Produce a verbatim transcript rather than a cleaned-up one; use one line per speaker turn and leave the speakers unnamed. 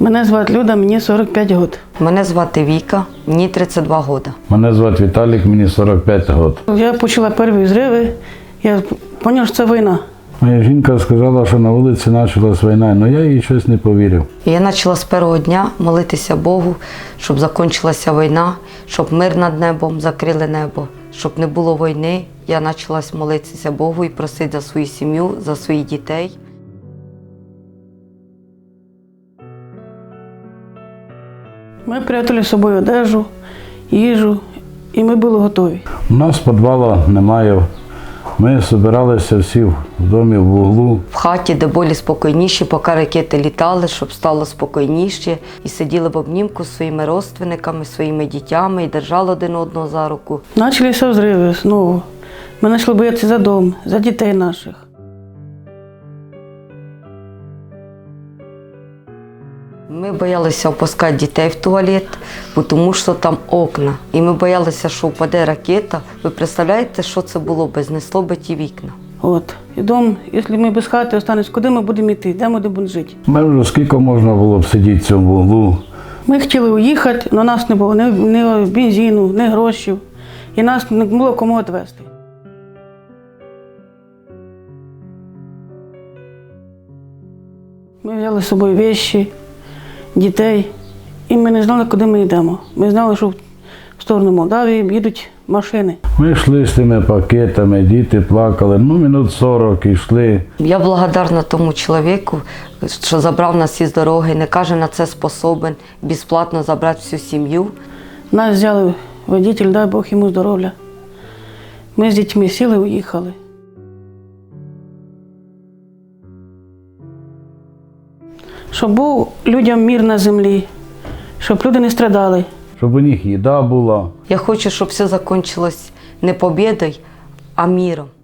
Мене звати Люда, мені сорок п'ять років.
Мене звати Віка, мені тридцять два роки.
Мене звати Віталік, мені сорок п'ять років.
Я почула перші зриви, я зрозуміла, що це війна.
Моя жінка сказала, що на вулиці почалась війна, але я їй щось не повірив.
І я почала з першого дня молитися Богу, щоб закінчилася війна, щоб мир над небом, закрили небо, щоб не було війни. Я почала молитися Богу і просити за свою сім'ю, за своїх дітей.
Ми прятали з собою одежу, їжу, і ми були готові.
У нас підвалу немає. Ми збиралися всі в домі в углу.
В хаті, де були спокійніші, поки ракети літали, щоб стало спокійніше. І сиділи в обнімку з своїми родственниками, своїми дітьми і держали один одного за руку.
Почалися взриви знову. Ми почали боятися за дом, за дітей наших.
Ми боялися опускати дітей в туалет, тому що там окна. І ми боялися, що впаде ракета. Ви представляєте, що це було б, знесло би ті вікна?
От. І дом, якщо ми без хати останемось, куди ми будемо йти, де ми будемо жити?
Ми вже скільки можна було б сидіти в цьому углу.
Ми хотіли уїхати, але у нас не було ні, ні бензину, ні грошей. І нас не було кому відвезти. Ми взяли з собою речі, дітей, і ми не знали, куди ми йдемо. Ми знали, що в сторону Молдавії їдуть машини.
Ми йшли з тими пакетами, діти плакали, ну минут сорок йшли.
Я благодарна тому чоловіку, що забрав нас із дороги, не каже, на це способен, безплатно забрати всю сім'ю.
Нас взяли водитель, дай Бог йому здоров'я. Ми з дітьми сіли і уїхали. Щоб був людям мир на землі, щоб люди не страдали.
Щоб у них їда була.
Я хочу, щоб все закінчилось не побєдою, а миром.